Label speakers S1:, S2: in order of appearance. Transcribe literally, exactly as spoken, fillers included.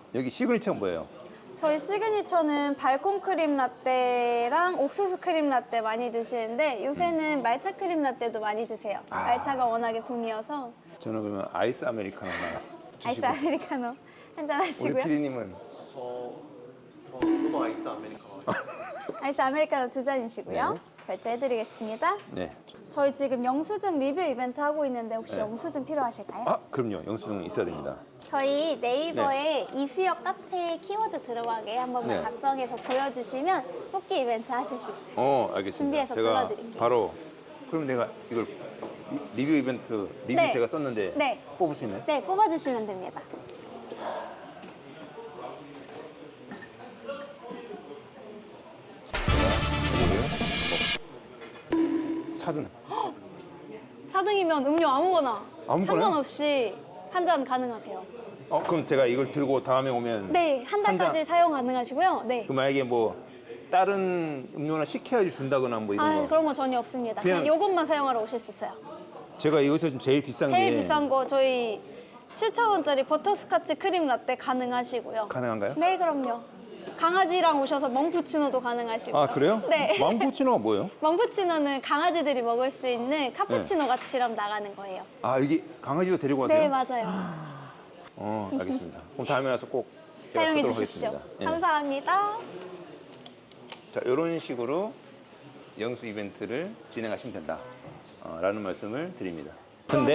S1: 여기 시그니처가 뭐예요?
S2: 저희 시그니처는 발콘 크림 라떼랑 옥수수 크림 라떼 많이 드시는데 요새는 말차 크림 라떼도 많이 드세요.
S1: 아.
S2: 말차가 워낙에 붐이어서
S1: 저는 그러면 아이스 아메리카노 하나
S2: 아이스
S1: 주시고.
S2: 아메리카노 한잔
S1: 우리
S2: 하시고요.
S1: 피디님은
S3: 저, 저 저도 아이스 아메리카노.
S2: 아이스 아메리카노 두 잔이시고요.
S1: 네.
S2: 결제해드리겠습니다.
S1: 네.
S2: 저희 지금 영수증 리뷰 이벤트 하고 있는데 혹시
S1: 네.
S2: 영수증 필요하실까요?
S1: 아 그럼요. 영수증 있어야 됩니다.
S2: 저희 네이버에 이수역 카페 키워드 들어가게 한 번만
S1: 네.
S2: 작성해서 보여주시면 뽑기 이벤트 하실 수 있어요.
S1: 어 알겠습니다.
S2: 준비해서
S1: 제가
S2: 불러드릴게요.
S1: 바로 그럼 내가 이걸 리- 리뷰 이벤트 리뷰
S2: 네.
S1: 제가 썼는데
S2: 네.
S1: 뽑을 수 있나요?
S2: 네, 뽑아주시면 됩니다.
S1: 사 등.
S2: 사 등이면 음료 아무거나
S1: 아무거나요?
S2: 상관없이 한 잔 가능하세요.
S1: 어 그럼 제가 이걸 들고 다음에 오면
S2: 네, 한
S1: 한
S2: 달까지
S1: 잔.
S2: 사용 가능하시고요. 네.
S1: 그 만약에 뭐 다른 음료나 시켜야지 준다거나 뭐 이런
S2: 아,
S1: 거.
S2: 그런 거 전혀 없습니다.
S1: 그냥-
S2: 그냥 이것만 사용하러 오실 수 있어요.
S1: 제가 여기서 지금 제일 비싼
S2: 제일
S1: 게
S2: 비싼 거 저희 칠천 원짜리 버터스카치 크림 라떼 가능하시고요.
S1: 가능한가요?
S2: 네, 그럼요. 강아지랑 오셔서 멍푸치노도 가능하시고요.
S1: 아 그래요?
S2: 네.
S1: 망푸치노가 뭐예요?
S2: 멍푸치노는 강아지들이 먹을 수 있는 카푸치노 같이럼 나가는 거예요.
S1: 아 여기 강아지도 데리고 와도
S2: 네,
S1: 돼요?
S2: 맞아요.
S1: 어 알겠습니다. 그럼 다음에 와서 꼭 제가
S2: 사용해
S1: 쓰도록
S2: 주십시오.
S1: 하겠습니다. 예.
S2: 감사합니다.
S1: 자 이런 식으로 영수 이벤트를 진행하시면 된다 어, 라는 말씀을 드립니다. 근데